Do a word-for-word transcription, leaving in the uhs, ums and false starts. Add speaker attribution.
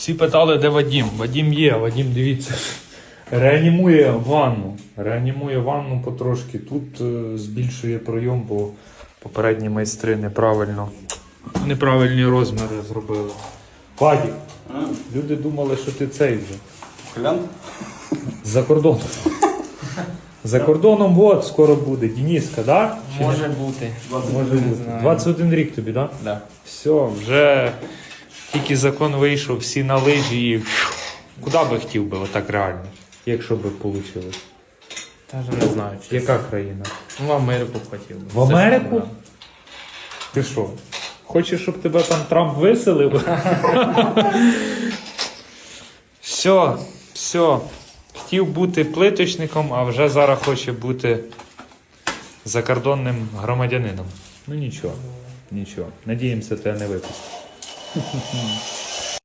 Speaker 1: Всі питали, де Вадим. Вадим є, Вадим, дивіться. Реанімує ванну. Реанімує ванну потрошки. Тут е, збільшує пройом, бо попередні майстри неправильно, неправильні розміри зробили. Вадик, люди думали, що ти цей вже.
Speaker 2: Хлян?
Speaker 1: За кордоном. За кордоном от скоро буде. Дениска, так? Да?
Speaker 3: Може бути.
Speaker 1: Може бути. двадцять один рік тобі, так? Да?
Speaker 3: Да.
Speaker 1: Все, вже тільки закон вийшов, всі на лижі і куди би хотів би, отак реально, якщо би вийшло.
Speaker 3: Даже не знаю. Чи...
Speaker 1: Яка країна?
Speaker 3: Ну, в Америку хотів би.
Speaker 1: В Америку? Ти що? Хочеш, щоб тебе там Трамп виселив? Все, все. Хотів бути плиточником, а вже зараз хоче бути закордонним громадянином. Ну нічого, нічого. Надіємося, тебе не випустять.